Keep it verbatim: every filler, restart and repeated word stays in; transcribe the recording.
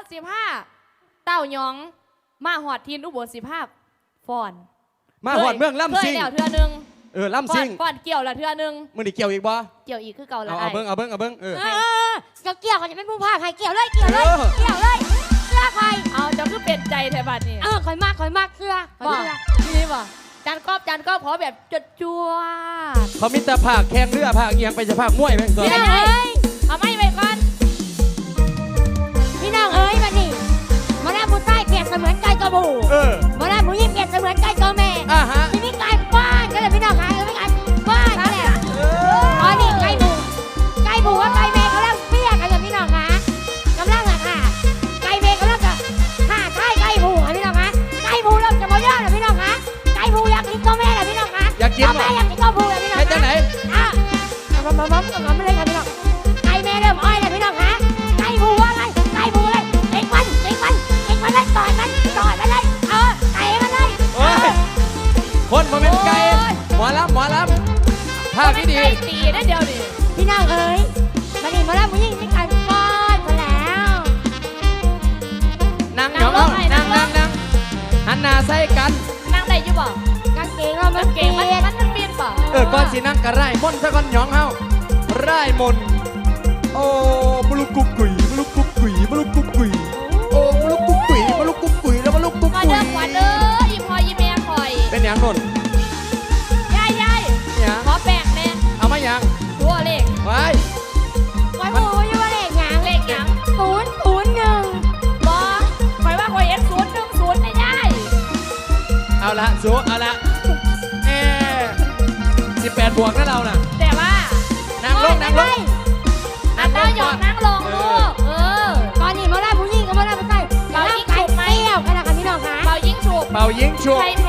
สิบห้าเต้ายองมาหอดทีนอุบลสิบห้าฟอนมาหอดเมืองล่ำซิงเคยแล้วเทื่อนึงเออล่ำซิงฟอนเกี่ยวละเทื่อนึงมึงดิเกี่ยวอีกบ่เกี่ยวอีกคือเก่าละเอาเบิ้งเอาเบิ้งเอาเบิ้งเออเกี่ยวเกี่ยวกันจะเป็นผู้พาใครเกี่ยวเลยเกี่ยวเลยเกี่ยวเลยเสื้อใครเอาจะคือเป็นใจแถวบ้านนี่เออคอยมากคอยมากเสื้อคอยเสื้อนี่บ่จานกอบจานกอบขอแบบจดจั่วเขามีแต่ภาคแข่งเรือภาคเอียงไปจะภาคมวยแม่งตัวพี่น้องเอ้ยเอาไม่ไปก่อนพี่น้องเอ้ยมานี่มาหน้าผู้ใต้เปรียบเสมือนไก่ตัวผู้เออมาหน้าผู้หญิงเปรียบเสมือนไก่ตัวแม่อ่าฮะที่มีไก่บ้านก็เลยพี่น้องหายไม่ไก่บ้านนั่นแหละอ๋อนี่ไก่ผูไก่ผูว่าไก่แม่เขาเล่าเปรี้ยกันเลยพี่น้องคะกำลังอะค่ะไก่แม่เขาเล่าจะค่ะใช่ไก่ผูค่ะพี่น้องคะไก่ผูเริ่มจะมาเยอะเลยพี่น้องคะไก่ผูอยากกินตัวแม่เลยพี่น้องคะอยากกินตัวแม่อยากกินตัวผูเลยพี่น้องคะจังไหนอ่ะมามามามามาเลยค่ะพี่น้องไก่แม่เริ่มอ้อยเลยพี่น้องคะไก่ผูว่าไงไก่ผูเลยเอ็งมันเอ็งมันเอ็งมันเลยต่อยมันต่อยมันเลยเออไก่มันเลยโอ้ยคนมาเป็นไก่หมอลำหมอลำภาคที่ดีตีได้เดียวดิพี่น้องเอ๋ยมาดิมาแล้วผู้หญิงไม่ไก่ก้อนมาแล้วนั่งยองเอานั่งนั่งนั่งหันหน้าใส่กันนั่งได้อยู่บ่กางเกงเรามันเก่งมันมันมันเปลี่ยนป่ะเออก่อนสินั่งกระไรมนซะก่อนยองเฮาไรมนโอ้บลุกกุ๊กกุ๋ยบลุกกุ๊กกุ๋ยบลุกกุ๊กกุ๋ยโอ้บลุกกุ๊กกุ๋ยบลุกกุ๊กกุ๋ยแล้วบลุกกุ๊กกุ๋ยมาเด้อขวัญเด้ออีพอยีแม่คอยเป็นอย่างนนยายยายขอแป้งแน่เอามาอย่างตัวเลขไว้ไว้หูอยู่ว่าเลขหยังเลขหยังศูนย์ศูนย์หนึ่งบอคอยว่าคอยเอ็นศูนย์หนึ่งศูนย์ไม่ได้เอาละสูเอาละเอสิบแปดบวกนะเราน่ะแต่ว่านั่งลงนั่งลงนั่งลงหยอกนั่งลงลูกเออตอนนี้มาแล้วผู้หญิงก็มาแล้วผู้ชายเป่ายิงฉุบไหมเปรี้ยวกันนะคะพี่น้องคะเป่ายิงฉุบเป่ายิงฉุบใครแ